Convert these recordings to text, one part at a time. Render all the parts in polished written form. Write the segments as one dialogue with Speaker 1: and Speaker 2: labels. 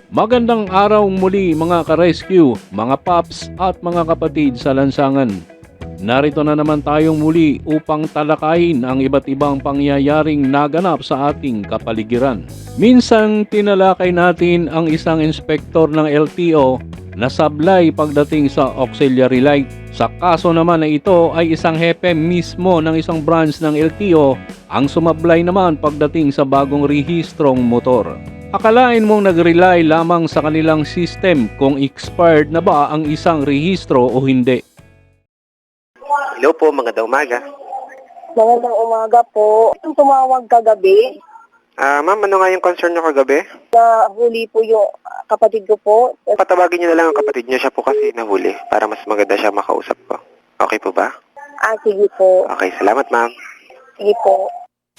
Speaker 1: Magandang araw muli mga ka-rescue, mga paps at mga kapatid sa lansangan. Narito na naman tayong muli upang talakayin ang iba't ibang pangyayaring naganap sa ating kapaligiran. Minsan tinalakay natin ang isang inspektor ng LTO na sablay pagdating sa auxiliary light. Sa kaso naman na ito ay isang hepe mismo ng isang branch ng LTO ang sumablay naman pagdating sa bagong rehistrong motor. Akalain mong nag-rely lamang sa kanilang system kung expired na ba ang isang rehistro o hindi.
Speaker 2: Hello po, magandang umaga.
Speaker 3: Magandang umaga po. Itong tumawag kagabi,
Speaker 2: Ma'am, ano nga yung concern nyo kagabi?
Speaker 3: huli po yung kapatid ko po.
Speaker 2: Patawagin nyo na lang ang kapatid nyo, siya po kasi nahuli para mas maganda siya makausap ko. Okay po ba?
Speaker 3: Sige po.
Speaker 2: Okay, salamat ma'am.
Speaker 3: Sige po.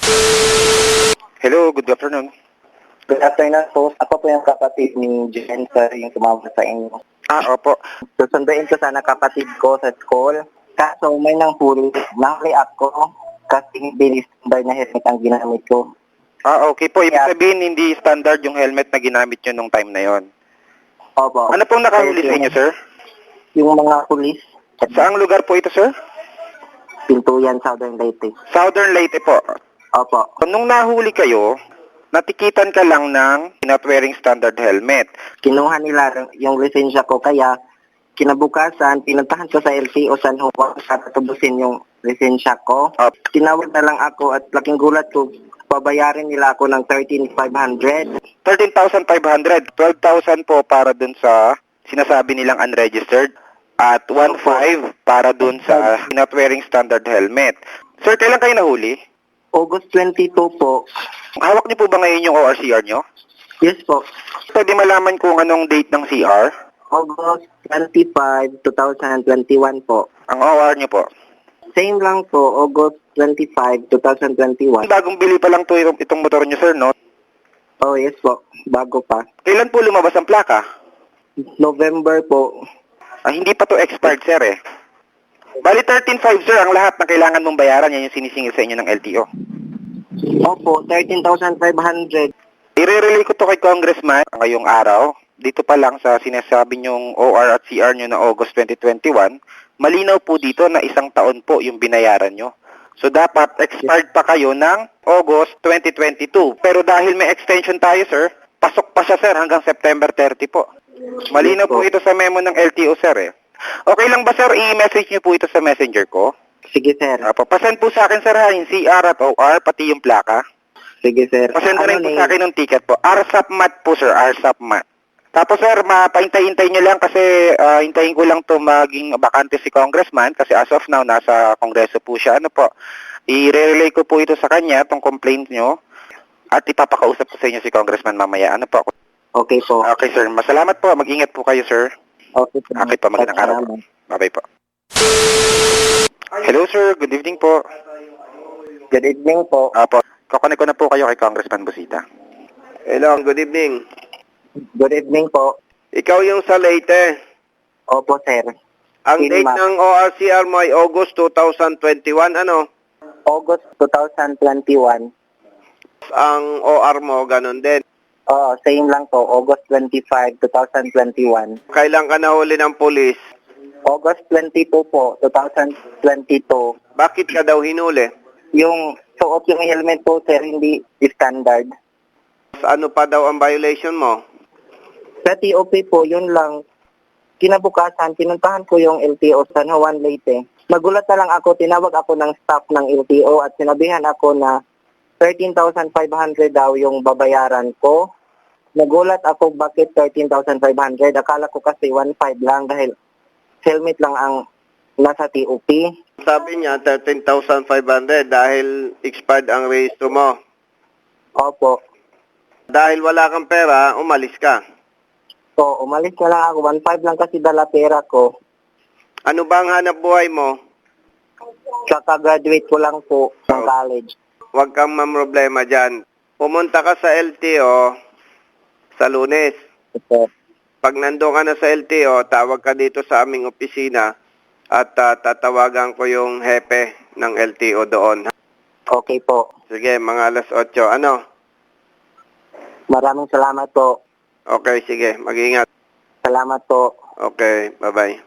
Speaker 2: Hello, good afternoon.
Speaker 4: Good afternoon po. Ako po yung kapatid ni Jen, sir, yung tumawag sa inyo.
Speaker 2: Opo.
Speaker 4: Susunduin ko sana kapatid ko sa school. Kaso may nang huli. Nahuli ako kasi hindi standard na helmet ang ginamit ko.
Speaker 2: Okay po. Ibig sabihin, hindi standard yung helmet na ginamit nyo nung time na yon.
Speaker 4: Opo.
Speaker 2: Ano pong nakahuli sa inyo, sir?
Speaker 4: Yung mga pulis.
Speaker 2: Saang lugar po ito, sir?
Speaker 4: Pintuyan, Southern Leyte.
Speaker 2: Southern Leyte po.
Speaker 4: Opo.
Speaker 2: Nung nahuli kayo, natikitan ka lang ng not wearing standard helmet.
Speaker 4: Kinuha nila yung lisensya ko kaya kinabukasan, pinuntahan ko sa LTO San Juan para tubusin yung lisensya ko. Tinawag na lang ako at laking gulat ko, pabayarin nila ako ng 13,500.
Speaker 2: 13,500. 12,000 po para dun sa sinasabi nilang unregistered at 1,500 para dun sa not wearing standard helmet. Sir, kailan kayo nahuli?
Speaker 4: August 22 po.
Speaker 2: Hawak niyo po ba ngayon yung ORCR nyo?
Speaker 4: Yes po.
Speaker 2: Pwede malaman kung anong date ng CR?
Speaker 4: August 25, 2021 po.
Speaker 2: Ang OR nyo po.
Speaker 4: Same lang po, August 25, 2021.
Speaker 2: Bagong bili pa lang to itong motor nyo, sir, no?
Speaker 4: Oh, yes po. Bago pa.
Speaker 2: Kailan po lumabas ang plaka?
Speaker 4: November po.
Speaker 2: Hindi pa to expired, sir, eh. Bali, 13,500, sir, ang lahat na kailangan mong bayaran. Yan yung sinisingil sa inyo ng LTO.
Speaker 4: Opo, 13,500.
Speaker 2: I-relay ko to kay Congressman ngayong araw. Dito pa lang sa sinasabi nyong OR at CR nyo na August 2021, malinaw po dito na 1 taon po yung binayaran nyo. So dapat expired pa kayo ng August 2022. Pero dahil may extension tayo, sir, pasok pa siya, sir, hanggang September 30 po. Malinaw po ito sa memo ng LTO, sir, eh. Okay lang ba, sir, i-message nyo po ito sa messenger ko?
Speaker 4: Sige, sir.
Speaker 2: Pasend po sa akin, sir, ha, yung CR at OR, pati yung plaka.
Speaker 4: Sige, sir.
Speaker 2: Pasend na rin po sa akin yung ticket po. RSAPMAT po, sir, RSAPMAT. Tapos, sir, mapaintay-intay nyo lang kasi hintayin ko lang to maging bakante si Congressman kasi as of now, nasa Kongreso po siya. Ano po, i-relay ko po ito sa kanya, itong complaint nyo, at ipapakausap ko sa inyo si Congressman mamaya. Ano po?
Speaker 4: Okay po.
Speaker 2: Okay, sir. Masalamat po. Mag-ingat po kayo, sir.
Speaker 4: Okay po.
Speaker 2: Okay po, magandang araw po. Bye-bye po. Hello, sir. Good evening po.
Speaker 4: Good evening po.
Speaker 2: Apo, kakonek ko na po kayo kay Congressman Busita.
Speaker 5: Hello, good evening.
Speaker 4: Good evening po.
Speaker 5: Ikaw yung sa Leyte.
Speaker 4: Opo, sir.
Speaker 5: Ang
Speaker 4: Sino
Speaker 5: date
Speaker 4: ma-
Speaker 5: ng ORCR mo ay August 2021. Ano?
Speaker 4: August 2021.
Speaker 5: Ang OR mo, ganun din.
Speaker 4: Oo, same lang po. August 25, 2021.
Speaker 5: Kailan ka nahuli ng polis?
Speaker 4: August 22 po, 2022.
Speaker 5: Bakit ka daw hinuli?
Speaker 4: Yung suot yung helmet po, sir, hindi standard.
Speaker 5: Ano pa daw ang violation mo?
Speaker 4: Sa TOP po, yun lang. Kinabukasan, pinuntahan ko yung LTO San Juan Leyte. Nagulat na lang ako, tinawag ako ng staff ng LTO at sinabihan ako na 13,500 daw yung babayaran ko. Nagulat ako bakit 13,500. Akala ko kasi 1,500 lang dahil helmet lang ang nasa TOP.
Speaker 5: Sabi niya 13,500 dahil expired ang rehistro mo.
Speaker 4: Opo.
Speaker 5: Dahil wala kang pera, umalis ka.
Speaker 4: So, umalis na lang ako. 1,500 lang kasi dala pera ko.
Speaker 5: Ano ba ang hanap buhay mo?
Speaker 4: Kaka-graduate ko lang po ng college.
Speaker 5: Huwag kang mamroblema dyan. Pumunta ka sa LTO sa Lunes.
Speaker 4: Opo.
Speaker 5: Pag nandun ka na sa LTO, tawag ka dito sa aming opisina at tatawagan ko yung hepe ng LTO doon.
Speaker 4: Okay po.
Speaker 5: Sige, mga alas 8. Ano?
Speaker 4: Maraming salamat po.
Speaker 5: Okay, sige. Mag-ingat.
Speaker 4: Salamat po.
Speaker 5: Okay, bye-bye.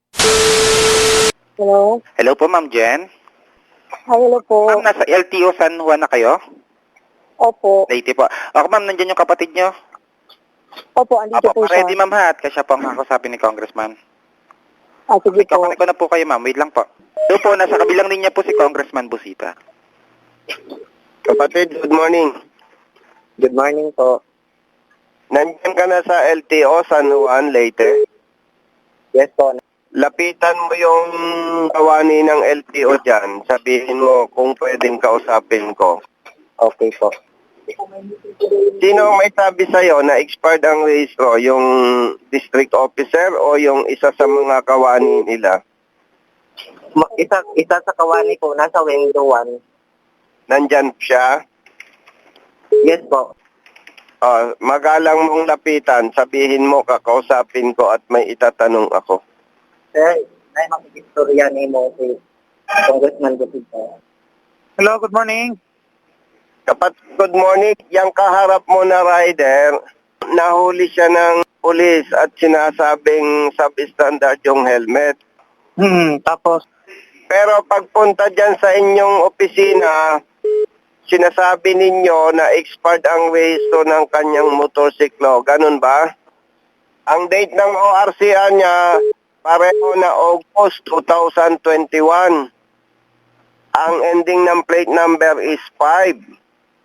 Speaker 3: Hello?
Speaker 2: Hello po, Ma'am Jen.
Speaker 3: Hi, hello po.
Speaker 2: Ma'am, nasa LTO San Juan na kayo?
Speaker 3: Opo.
Speaker 2: Leyte po. Ako, ma'am, nandiyan yung kapatid nyo.
Speaker 3: Opo, andito po siya.
Speaker 2: Ready, ma'am, ha? At kasi po ang kakasapin ni Congressman.
Speaker 3: Ah, sige po.
Speaker 2: Ikaw ko na po kayo, ma'am. Wait lang po. Doon po, nasa kabilang linya po si Congressman Busita.
Speaker 5: Kapatid, good morning.
Speaker 4: Good morning po.
Speaker 5: Nandiyan ka na sa LTO San Juan, Leyte.
Speaker 4: Yes po.
Speaker 5: Lapitan mo yung kawani ng LTO dyan. Sabihin mo kung pwedeng kausapin ko.
Speaker 4: Okay po.
Speaker 5: Sino ang may sabi sa'yo na expired ang rehistro? Yung district officer o yung isa sa mga kawani nila?
Speaker 4: Isa sa kawani po, nasa window 1.
Speaker 5: Nandyan siya?
Speaker 4: Yes po.
Speaker 5: Magalang mong lapitan. Sabihin mo, kakausapin ko at may itatanong ako.
Speaker 4: Sir, ay makikistorya ni mo si Congressman Gutito.
Speaker 6: Hello, good morning.
Speaker 5: Kapatid, good morning. Yang kaharap mo na rider, nahuli siya ng pulis at sinasabing substandard yung helmet.
Speaker 6: Tapos,
Speaker 5: Pero pagpunta dyan sa inyong opisina, sinasabi ninyo na expired ang rehistro ng kanyang motorsiklo. Ganun ba? Ang date ng ORCR niya, pareho na August 2021. Ang ending ng plate number is 5.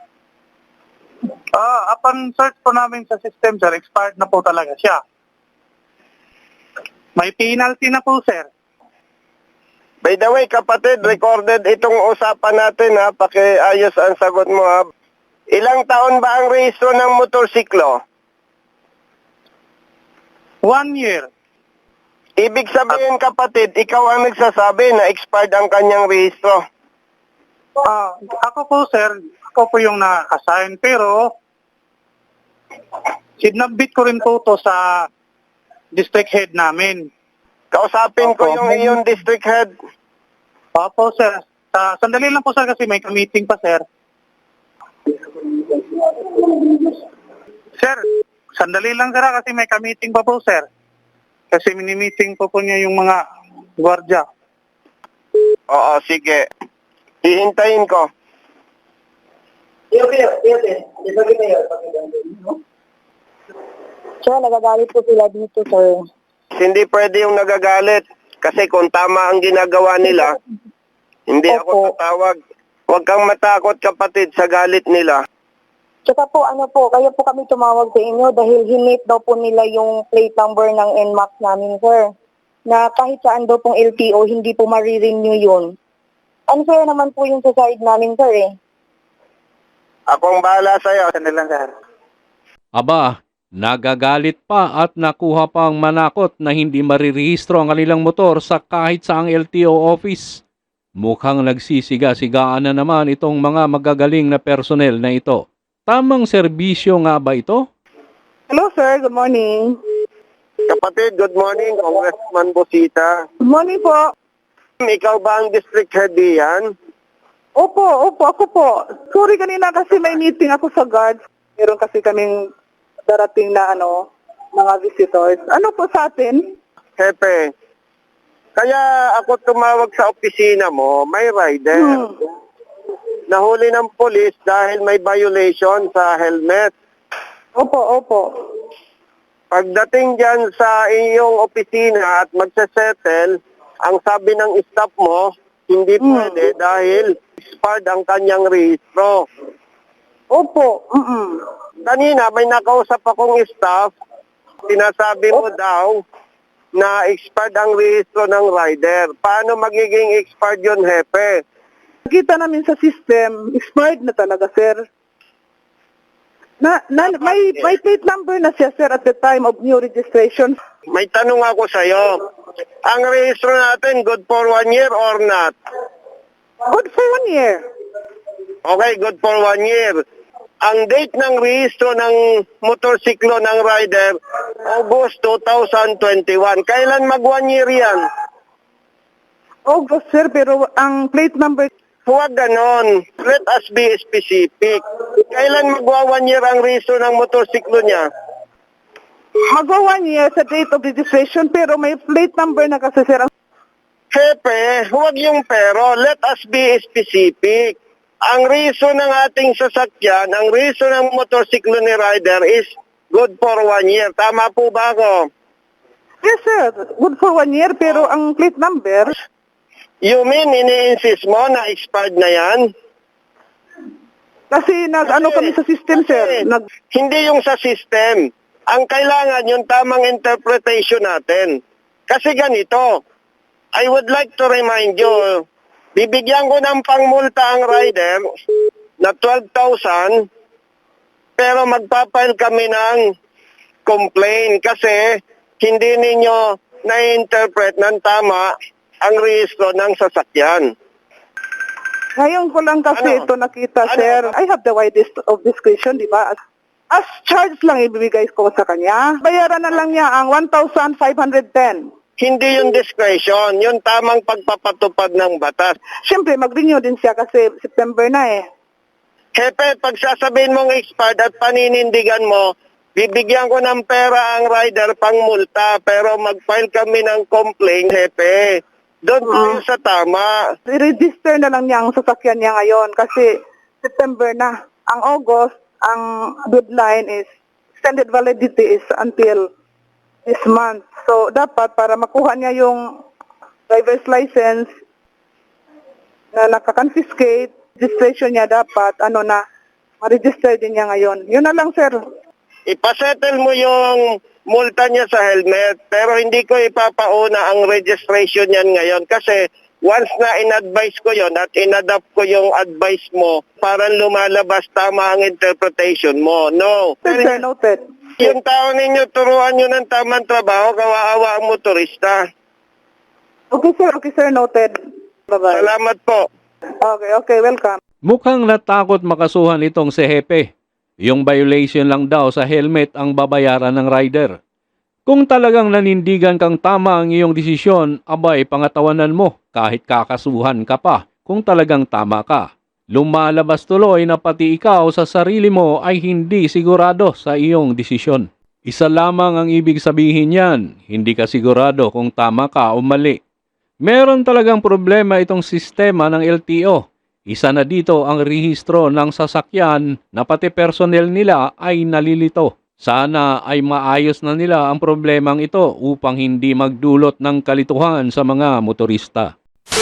Speaker 6: upon search po namin sa system, sir, expired na po talaga siya. May penalty na po, sir.
Speaker 5: By the way, kapatid, recorded itong usapan natin, ha? Pakiayos ang sagot mo, ha? Ilang taon ba ang rehistro ng motorsiklo?
Speaker 6: 1 year.
Speaker 5: Ibig sabihin, kapatid, ikaw ang nagsasabi na expired ang kanyang rehistro.
Speaker 6: Ako po, sir, ako po yung na-assign, pero sinabit ko rin po to sa district head namin.
Speaker 5: Kausapin ko
Speaker 6: Opo.
Speaker 5: yung iyong district head.
Speaker 6: Opo, sir. Sandali lang po, sir, kasi may meeting pa, sir. Sir, sandali lang, sir, kasi may meeting pa po, sir. Kasi mini-meeting po niya yung mga gwardiya.
Speaker 5: Oo, sige. Hihintayin ko.
Speaker 3: Sir, nagagalit po sila dito, sir.
Speaker 5: Hindi pwede yung nagagalit. Kasi kung tama ang ginagawa nila, hindi ako
Speaker 3: Opo.
Speaker 5: tatawag. Huwag kang matakot, kapatid, sa galit nila.
Speaker 3: Tsaka po, kaya po kami tumawag sa inyo dahil hinate daw po nila yung plate number ng NMAX namin, sir. Na kahit saan daw pong LTO, hindi po marirenew yun. Unfair naman po yung sa side namin, sir, eh.
Speaker 5: Akong bahala sa'yo.
Speaker 6: Sandali lang, sir.
Speaker 1: Aba, nagagalit pa at nakuha pang manakot na hindi marirehistro ang kanilang motor sa kahit saang LTO office. Mukhang nagsisiga-sigaan na naman itong mga magagaling na personel na ito. Tamang serbisyo nga ba ito?
Speaker 3: Hello, sir. Good morning.
Speaker 5: Kapatid, good morning, Congressman Busita.
Speaker 3: Good morning po.
Speaker 5: Ikaw ba ang district head diyan?
Speaker 3: Opo, ako po. Sorry kanina kasi may meeting ako sa guards. Meron kasi kaming darating na mga visitors. Ano po sa atin?
Speaker 5: Hepe, kaya ako tumawag sa opisina mo, may rider. Nahuli ng polis dahil may violation sa helmet.
Speaker 3: Opo.
Speaker 5: Pagdating dyan sa iyong opisina at magsasettle, ang sabi ng staff mo, hindi pwede dahil expired ang kanyang rehistro.
Speaker 3: Opo.
Speaker 5: Kanina may nakausap akong staff, sinasabi mo daw na expired ang rehistro ng rider. Paano magiging expired yun, Hepe?
Speaker 3: Nakita namin sa system, expired na talaga, sir. May plate number na siya, sir, at the time of new registration.
Speaker 5: May tanong ako sa'yo. Ang rehistro natin, good for 1 year or not?
Speaker 3: Good for 1 year.
Speaker 5: Okay, good for 1 year. Ang date ng rehistro ng motorsiklo ng rider, August 2021. Kailan mag 1 year yan?
Speaker 3: August, sir, pero ang plate number...
Speaker 5: Huwag ganon. Let us be specific. Kailan magwa 1 year ang rehistro ng motorsiklo niya?
Speaker 7: Magwa 1 year sa date of registration pero may plate number na kasi sir.
Speaker 5: Hepe, huwag yung pero. Let us be specific. Ang reason ng ating sasakyan, ang reason ng motorsiklo ni rider is good for 1 year. Tama po ba ako?
Speaker 7: Yes sir, good for 1 year pero ang plate number,
Speaker 5: You mean, ini-insist mo na expired na yan?
Speaker 7: kasi nag-ano kami sa system sir,
Speaker 5: Hindi yung sa system. Ang kailangan yung tamang interpretation natin. Kasi ganito, I would like to remind you, bibigyan ko ng pangmulta ang rider na 12,000 pero magpapile kami ng complaint kasi hindi ninyo na-interpret ng tama ang rehistro ng sasakyan.
Speaker 7: Ngayon ko lang kasi
Speaker 5: Ano?
Speaker 7: ito nakita,
Speaker 5: Ano?
Speaker 7: sir. I have the widest of discretion, di ba? As charge lang ibibigay ko sa kanya. Bayaran na lang niya ang 1,510.
Speaker 5: Hindi yung discretion, yung tamang pagpapatupad ng batas.
Speaker 7: Siyempre, mag-renew din siya kasi September na eh.
Speaker 5: Hepe, pag sasabihin mong expired at paninindigan mo, bibigyan ko ng pera ang rider pang multa, pero mag-file kami ng complaint, Hepe. Doon tayo sa tama.
Speaker 7: I-register na lang niya ang sasakyan niya ngayon kasi September na. Ang August, ang deadline is, extended validity is until this month. So, dapat para makuha niya yung driver's license na nakakonfiscate, registration niya dapat, ma-register din niya ngayon. Yun na lang, sir.
Speaker 5: Ipasettle mo yung multa niya sa helmet, pero hindi ko ipapauna ang registration niyan ngayon kasi once na in-advise ko yon at in-adapt ko yung advice mo, parang lumalabas tama ang interpretation mo. No.
Speaker 7: Yes, sir, noted.
Speaker 5: Yung tao ninyo, turuan nyo ng tamang trabaho, kawawa ang motorista.
Speaker 7: Okay, sir, noted. Bye-bye.
Speaker 5: Salamat po.
Speaker 7: Okay, welcome.
Speaker 1: Mukhang natakot makasuhan itong si Hepe. Yung violation lang daw sa helmet ang babayaran ng rider. Kung talagang nanindigan kang tama ang iyong desisyon, abay pangatawanan mo kahit kakasuhan ka pa kung talagang tama ka. Lumalabas tuloy na pati ikaw sa sarili mo ay hindi sigurado sa iyong desisyon. Isa lamang ang ibig sabihin yan, hindi ka sigurado kung tama ka o mali. Meron talagang problema itong sistema ng LTO. Isa na dito ang rehistro ng sasakyan na pati personnel nila ay nalilito. Sana ay maayos na nila ang problemang ito upang hindi magdulot ng kalituhan sa mga motorista.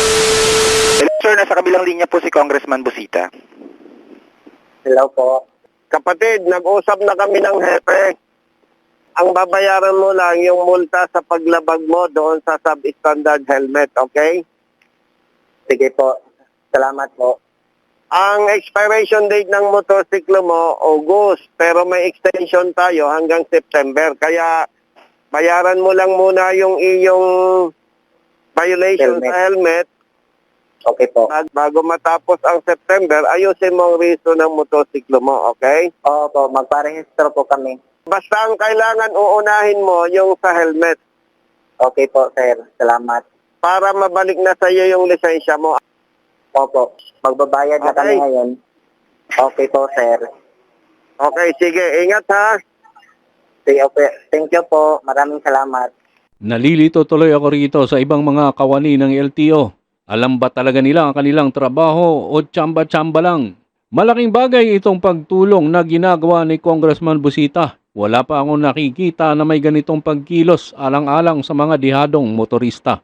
Speaker 2: Hello, sir, nasa kabilang linya po si Congressman Busita.
Speaker 4: Hello po.
Speaker 5: Kapatid, nag-usap na kami ng hepe. Ang babayaran mo lang yung multa sa paglabag mo doon sa substandard helmet, okay?
Speaker 4: Sige po. Salamat po.
Speaker 5: Ang expiration date ng motorsiklo mo, August, pero may extension tayo hanggang September. Kaya bayaran mo lang muna yung iyong violation
Speaker 4: Helmet.
Speaker 5: sa helmet.
Speaker 4: Okay po.
Speaker 5: Bago matapos ang September, ayusin mo ang reason ng motorsiklo mo, okay?
Speaker 4: Opo, magparehistro po kami.
Speaker 5: Basta ang kailangan uunahin mo yung sa helmet
Speaker 4: Okay po, sir. Salamat.
Speaker 5: para mabalik na sa iyo yung lisensya mo.
Speaker 4: Opo, magbabayad na kami
Speaker 5: Okay.
Speaker 4: ngayon. Okay po, sir.
Speaker 5: Okay, sige. Ingat ha.
Speaker 4: Sige, okay. Thank you po. Maraming salamat.
Speaker 1: Nalilito tuloy ako rito sa ibang mga kawani ng LTO. Alam ba talaga nila ang kanilang trabaho o tsamba-tsamba lang? Malaking bagay itong pagtulong na ginagawa ni Congressman Busita. Wala pa akong nakikita na may ganitong pagkilos alang-alang sa mga dihadong motorista.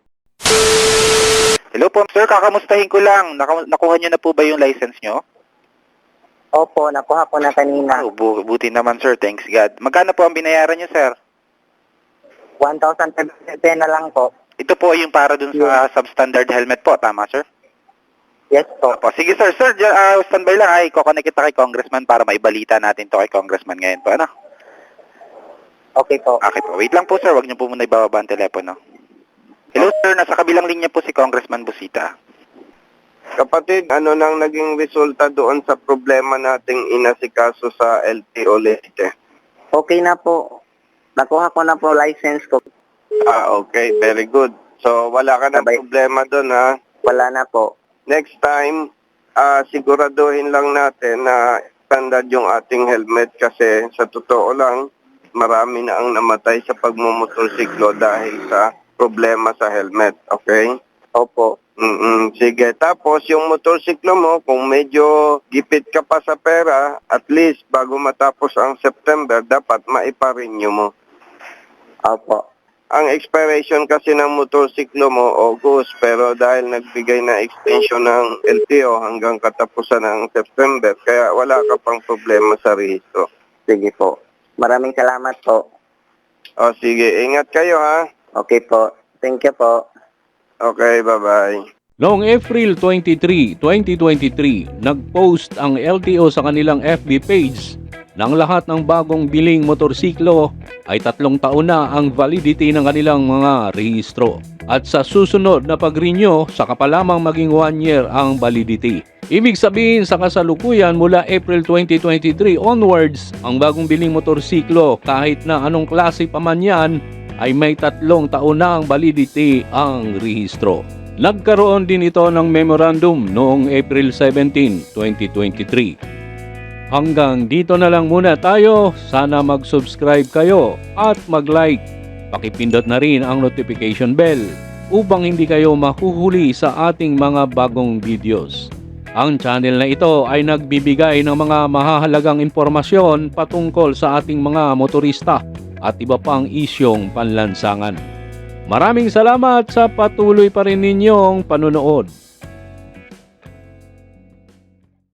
Speaker 2: Hello po, sir, kakamustahin ko lang. Nakuha niyo na po ba yung license niyo?
Speaker 4: Opo, nakuha ko na kanina.
Speaker 2: Buti naman, sir. Thanks God. Magkano po ang binayaran niyo, sir?
Speaker 4: 1,710 na lang po.
Speaker 2: Ito po yung para dun sa substandard helmet po. Tama, sir?
Speaker 4: Yes po.
Speaker 2: Opo. Sige, sir. Sir, standby lang. Ay, kukonek kita kay Congressman para maibalita natin to kay Congressman ngayon po. Ano?
Speaker 4: Okay po.
Speaker 2: Okay po. Wait lang po, sir. Huwag niyo po muna ibababa ang telepono. Hello, sir. Nasa kabilang linya po si Congressman Busita.
Speaker 5: Kapatid, ano nang naging resulta doon sa problema nating inasikaso sa LTO Leyte?
Speaker 4: Okay na po. Nakuha ko na po license ko.
Speaker 5: Okay. Very good. So, wala ka na
Speaker 4: Sabay.
Speaker 5: problema doon, ha?
Speaker 4: Wala na po.
Speaker 5: Next time, siguraduhin lang natin na standard yung ating helmet kasi sa totoo lang, marami na ang namatay sa pagmumotorsiklo dahil sa problema sa helmet. Okay?
Speaker 4: Opo.
Speaker 5: Sige. Tapos, yung motorsiklo mo, kung medyo gipit ka pa sa pera, at least bago matapos ang September, dapat maipa-renew mo.
Speaker 4: Opo.
Speaker 5: Ang expiration kasi ng motorsiklo mo, August, pero dahil nagbigay na extension ng LTO hanggang katapusan ng September, kaya wala ka pang problema sa rehistro.
Speaker 4: Sige po. Maraming salamat po.
Speaker 5: O sige, ingat kayo ha.
Speaker 4: Okay po. Thank you po.
Speaker 5: Okay, bye-bye.
Speaker 1: Noong April 23, 2023, nag-post ang LTO sa kanilang FB page ng lahat ng bagong biling motorsiklo ay 3 taon na ang validity ng kanilang mga rehistro. At sa susunod na pag-renew, saka pa lamang maging 1 year ang validity. Ibig sabihin sa kasalukuyan mula April 2023 onwards, ang bagong biling motorsiklo kahit na anong klase pa man yan ay may 3 taon na ang validity ang rehistro. Nagkaroon din ito ng memorandum noong April 17, 2023. Hanggang dito na lang muna tayo. Sana mag-subscribe kayo at mag-like. Pakipindot na rin ang notification bell upang hindi kayo mahuhuli sa ating mga bagong videos. Ang channel na ito ay nagbibigay ng mga mahahalagang impormasyon patungkol sa ating mga motorista at iba pang isyong panlansangan. Maraming salamat sa patuloy pa rin ninyong panunood.